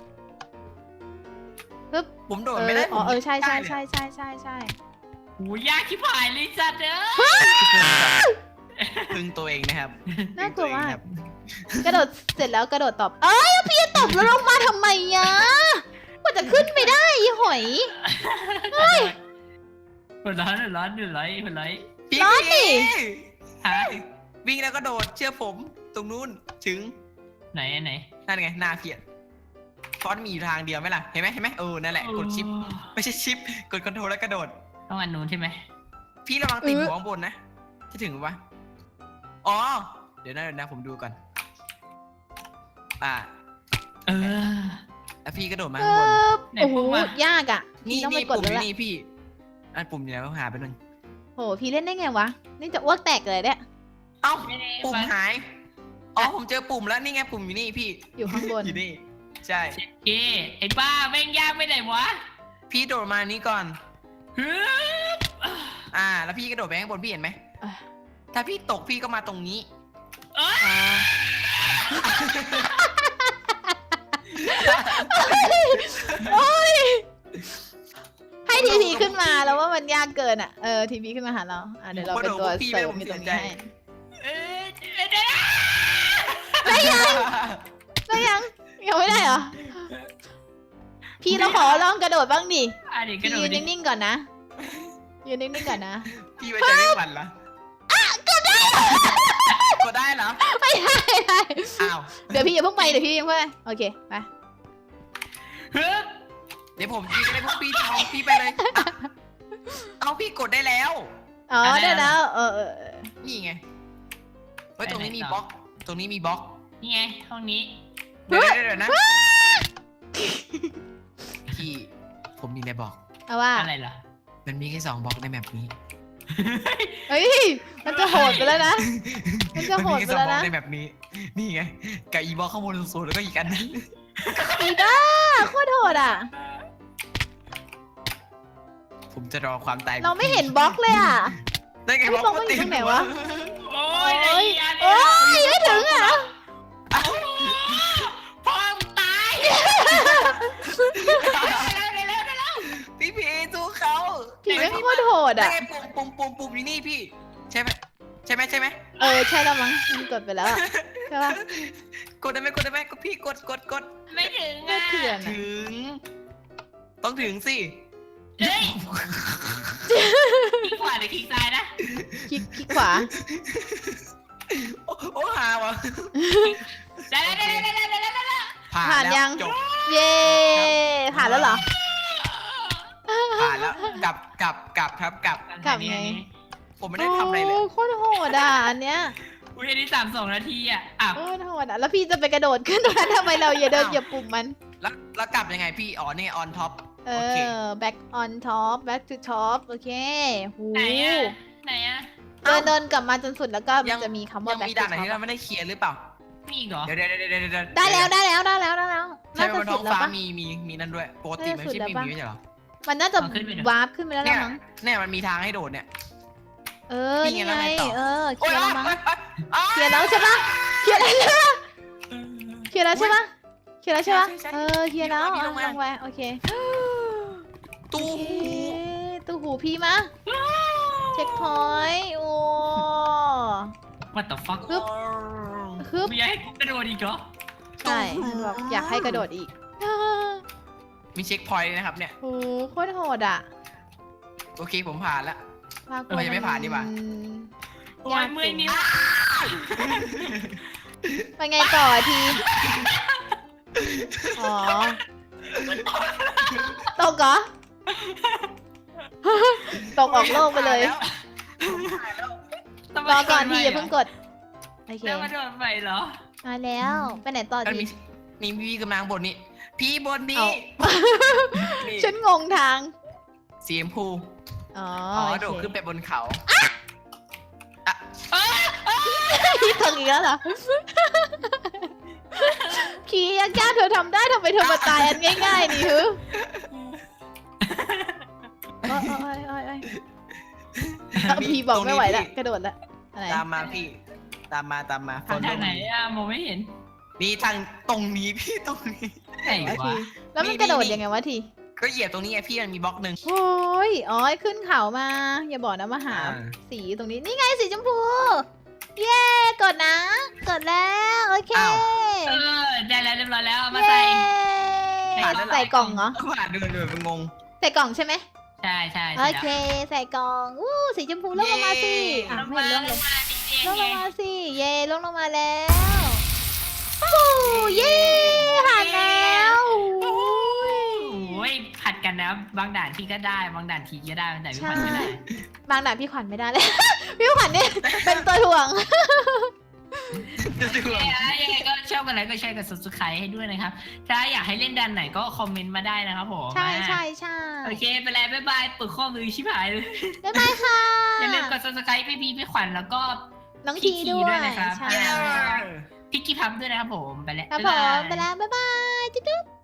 Speaker 2: ผมโดดไม่ได้
Speaker 1: ใช่
Speaker 3: หูยากที่ผายเลยจัดเด้อ
Speaker 2: พึ่งตัวเองนะครับ
Speaker 1: น่ากลัวมากกระโดดเสร็จแล้วกระโดดตอบพี่จะตบแล้วลงมาทำไมอ่ะกว่าจะขึ้นไปได้อีหอย
Speaker 3: หัวร้อนร้อน
Speaker 2: พี่
Speaker 1: ร้อนดิ
Speaker 3: ฮะ
Speaker 2: วิ่งแล้วก็โดดเชื่อผมตรงนู้นถึง
Speaker 3: ไหน
Speaker 2: นั่นไงหน้าเพียรฟอนต์มีอยู่ทางเดียวไหมล่ะเห็นไหมนั่นแหละกดชิปไม่ใช่ชิปกดคอนโทรลแล้วกระโดด
Speaker 3: ต้องอันนู้นใช่ไหม
Speaker 2: พี่ระวังติดหัวข้างบนนะจะถึงปะอ๋อเดี๋ยวนะผมดูก่อนแล้วพี่กระโดดมาข้างบน
Speaker 3: ไหน
Speaker 1: โอ้โห
Speaker 3: ปุ่มอะ
Speaker 1: ยากอ่ะพี่ต้องไปกด
Speaker 2: ปุ่ม
Speaker 1: แล้ว
Speaker 2: อยู่
Speaker 1: แหละ
Speaker 2: นี่พี่ปุ่มอยู่ไหนก็หาไปนึง
Speaker 1: โหพี่เล่นได้ไงวะนี่จะอ้วกแตกเลยเนี่ย
Speaker 2: เอ้า
Speaker 3: ไม่ได้
Speaker 2: ปุ่มหายผมเจอปุ่มแล้วนี่ไงปุ่มอยู่นี่พี่
Speaker 1: อยู่ข้างบน
Speaker 2: อยู่นี่ใช่
Speaker 3: เก้ไอ้บ้าแม่งยากไปไหนวะ
Speaker 2: พี่โดดมานี้ก่อน
Speaker 3: ฮึบ
Speaker 2: แล้วพี่กระโดดไปข้างบนพี่เห็นไหม
Speaker 1: อ่ะ
Speaker 2: ถ้าพี่ตกพี่ก็มาตรงนี้
Speaker 3: เอ้ย
Speaker 1: อ่าโอ้ยให้ทีพีขึ้นมาแล้วว่ามันยากเกินอ่ะทีพีขึ้นมาหาเราเดี๋ยวเราเป็นตัวเสริมอยู่ตรงนี้ให้
Speaker 3: เอ้ยเดี๋ยว
Speaker 1: ได้ยังไม่ได้เหรอพี่เราขอลองกระโดดบ้างดิ
Speaker 3: เดี๋ยวกระ
Speaker 1: พี่
Speaker 3: โด
Speaker 1: ยื
Speaker 3: ด
Speaker 1: น
Speaker 3: ดิ
Speaker 1: นิ่งๆก่อนนะยืนนิ่งๆก่อนนะ
Speaker 2: พี่ไว้ใจไม่หวั่นเหรอ กดได้เหรอ
Speaker 1: ไม่ได้
Speaker 2: อ้าว
Speaker 1: เดี๋ยวพี่อย่าเพิ่งไปโอเคไป
Speaker 3: ฮึบ
Speaker 2: เดี๋ยวผมยิงเลยพวกพี่เอาพี่ไปเลยเอาพี่กดได้แล้ว
Speaker 1: อ๋อได้แล้ว
Speaker 2: นี่ไงเฮ้ยตรงนี้มีบล็อก ตรงนี้มีบล็อก
Speaker 3: นี่ไงห้องนี้
Speaker 2: เดี๋ยวนะพี่ผมมีอะไรบอก
Speaker 1: เอาว่า
Speaker 3: อะไรเหรอ
Speaker 2: มันมีแค่2บล็อกในแมปนี้
Speaker 1: เฮ้ยมันจะโหดไปแล้วนะมันจะโหดไปแล้วนะ
Speaker 2: มันมีแค่2บล็อกในแมปนี้ นี่ไงกับอีบล็อกข้างบนสูงๆแล้วก็อีกอันนึง
Speaker 1: อีบ้าโคตรโหดอ่ะ
Speaker 2: ผมจะรอความตาย
Speaker 1: เราไม่เห็นบล็อกเลยอ่ะ
Speaker 2: ได้ไง
Speaker 1: บล็อกมันอยู่ตรงไหนวะ
Speaker 3: โอ้ยไอ้อัน
Speaker 1: โอ้ยไม่ถึงอ่ะ
Speaker 3: พ่อมตาย
Speaker 2: พี่พีสู้เขา
Speaker 1: ผีไม่โคตรโหด
Speaker 2: ได้
Speaker 1: อ่ะ
Speaker 2: ไงปุ่มอยู่นี่พี่ ใช่ไหมใช่ไหม
Speaker 1: ใช่แล้วมั้งมันกดไปแล้วอะใช่ปะ
Speaker 2: กดได้ไหมก็พี่กด
Speaker 3: ไม่ถึง
Speaker 1: ไม่
Speaker 3: อ่ะ
Speaker 1: เถื่อน
Speaker 2: ถึง ต้องถึงสิ
Speaker 3: เฮ้ยคลิกขวาหรือคลิกซ้ายนะ
Speaker 1: คลิกขวา
Speaker 2: โอ้หาวะ
Speaker 3: ได้
Speaker 1: ผ่านยัง
Speaker 2: จบ
Speaker 1: เย้ผ่านแล้วเหรอ
Speaker 2: ผ่านแล้วกลับครับกลับ
Speaker 1: กลับไง
Speaker 2: ผมไม่ได้ทำอะไรเลย
Speaker 1: โโคตรโหดอ่ะอันเนี้ย
Speaker 3: อุ้ยอันนี้32 นาทีอ่ะ
Speaker 1: โคตรโหดอ่ะแล้วพี่จะไปกระโดดขึ้นตรงนั้นทำไมเราอย่าเดินเหยียบปุ่มมัน
Speaker 2: แล้วกลับยังไงพี่อ๋อนี่ on top โอเค
Speaker 1: back on top back to top โอเคหู
Speaker 3: ไหนอ่ะ
Speaker 1: เดินกลับมาจนสุดแล้วก็มันจะมีคำว่า
Speaker 2: ยัง
Speaker 1: back
Speaker 2: มี
Speaker 1: to
Speaker 2: ด่านไหน
Speaker 1: top
Speaker 2: ที่เราไม่ได้เคลียร์หรือเปล่า
Speaker 3: มีอีกเหรอ
Speaker 2: เดี๋ยว
Speaker 1: ได้แล้ว
Speaker 2: ใช่
Speaker 1: น่า
Speaker 2: ไหม
Speaker 1: จะ
Speaker 2: บนท้
Speaker 1: สุ
Speaker 2: อ
Speaker 1: ด
Speaker 2: ง
Speaker 1: แล้ว
Speaker 2: ฟ้า
Speaker 1: ปะ
Speaker 2: มีนั่นด้วยปกติมันไม่ใช่
Speaker 1: น่าจะสุดแล้วปะ
Speaker 2: มีไม่ใช่เหรอ
Speaker 1: มันน่าจะวาร์ปขึ้นไปแล้ว
Speaker 2: เนี่ย
Speaker 1: มั้ง
Speaker 2: เนี่ยมันมีทางให้โดดเนี่ย
Speaker 1: นี่
Speaker 2: นี่
Speaker 1: ไง
Speaker 2: ไงแล้วไงต่อ
Speaker 1: เคลียร์แล้วมั้ง
Speaker 2: โอ๊ย
Speaker 1: เคลียร์แล้วใช่ปะเคลียร์แล้วใช่ปะเคลียร์แล้วใช่ปะเคลียร์แล้วใช่ปะ
Speaker 2: ใช่
Speaker 1: เคลียร์แล้ว
Speaker 2: พี่ลงมา
Speaker 1: ลงไปโอเค
Speaker 2: ตู้
Speaker 1: ตู้หูพี่มาเช็คพอยต์โอ้
Speaker 3: What the fuck
Speaker 1: ฮึบ
Speaker 3: ไม่อยากให้กูกระโดดอีกเหรอ
Speaker 1: ใช่แบบอยากให้กระโดดอีก
Speaker 2: มีเช็คพอยต์นะครับเนี่ย
Speaker 1: โอ้โคตรโหดอ่ะ
Speaker 2: โอเคผมผ่านแล้ว
Speaker 1: ลาก
Speaker 2: ยังไม่ผ่านดีกว่า
Speaker 3: โอ้ยเมื่อยนิ้ว
Speaker 1: ไปไงต่อทีอ๋อตกเหรอตกออกโลกไปเลย รอก่อนทีอย่าเพิ่งกดโอเค
Speaker 3: แล้วมาโดนไปเหรอ
Speaker 1: มาแล้วไปไหนต่อ
Speaker 2: แล้ว
Speaker 1: ที
Speaker 2: มีพี่กำลังบนนี้ พี่บนนี้ นี่
Speaker 1: ฉันงงทาง
Speaker 2: สีชมพู
Speaker 1: อ๋อ
Speaker 2: โดดขึ้นไปบนเขา
Speaker 1: พี่ถึงอีกแล้วเหรอขี่ยากๆเธอทำได้ทำไมเธอมาตายอันง่ายๆนี่ฮึโอ้ยพี่บอกไม่ไหวแล้วกระโดดแล้วอะไร
Speaker 2: ตามมาพี่ ตามมา
Speaker 3: ทางไหนอะมองไม่เห็น
Speaker 2: นี่ทางตรงนี้พี่ตรงนี้
Speaker 3: ไหน
Speaker 1: วะ
Speaker 3: วะ
Speaker 1: ทีแล้วมันกระโดดยังไงวะที
Speaker 2: ก็เหยียบตรงนี้ไงพี่มันมีบล็อกหนึ่ง
Speaker 1: โอ้ยอ๋อขึ้นเขามา อย่าบอกนะมาหา
Speaker 2: อ่า
Speaker 1: สีตรงนี้ นี่ไงสีชมพู เย้กดนะ กดแล้ว โอเค
Speaker 3: ได้แล้วเรียบร้อยแล้วเอามา
Speaker 1: เย้
Speaker 3: ใส่
Speaker 1: ใส่กล่องเหรอ
Speaker 2: ผ่านเดินมันงง
Speaker 1: ใส่กล่องใช่ไหม
Speaker 3: ใช่ใช่
Speaker 1: โอเค ใส่กล่องอู้สีชมพูลงลงมาสิอ่ะ
Speaker 3: ลง
Speaker 1: ไม่
Speaker 3: มา
Speaker 1: เห็นลง
Speaker 3: ล
Speaker 1: เลย
Speaker 3: งมาจริง
Speaker 1: ลง
Speaker 3: ๆ
Speaker 1: ล
Speaker 3: ไง
Speaker 1: งมาสิ เย่ลงลงมาแล้วฟูเย่ผ่านแล้ว
Speaker 3: โอ้ยผัดกันนะบางด่านที่ก็ได้บางด่านทีก็ได้บางด่านพี่ผัดไม่ได้
Speaker 1: บางด่านพี่ขวัญไม่ได้เลย พี่ขวัญเนี่ยเป็นตัวถ่วง
Speaker 3: ยังไงก็ชอบกันแล้วก็แชร์กับ subscribe ให้ด้วยนะครับ ถ้าอยากให้เล่นด่านไหนก็คอมเมนต์มาได้นะครับผม
Speaker 1: ใช่
Speaker 3: โอเคไปแล้วบ๊ายบายปึกข้อมือชิบหายเลย
Speaker 1: บ๊ายบายค่ะ
Speaker 3: อย่าลืมกด subscribe พี่ขวัญแล้วก็
Speaker 1: น้องทีด้วย
Speaker 3: นะครับ
Speaker 1: ใช่
Speaker 3: พี่กิ๊ฟพับด้วยนะครับผม ไปแล้ว
Speaker 1: ครับผม ไปแล้ว บ๊ายบาย จุ๊บ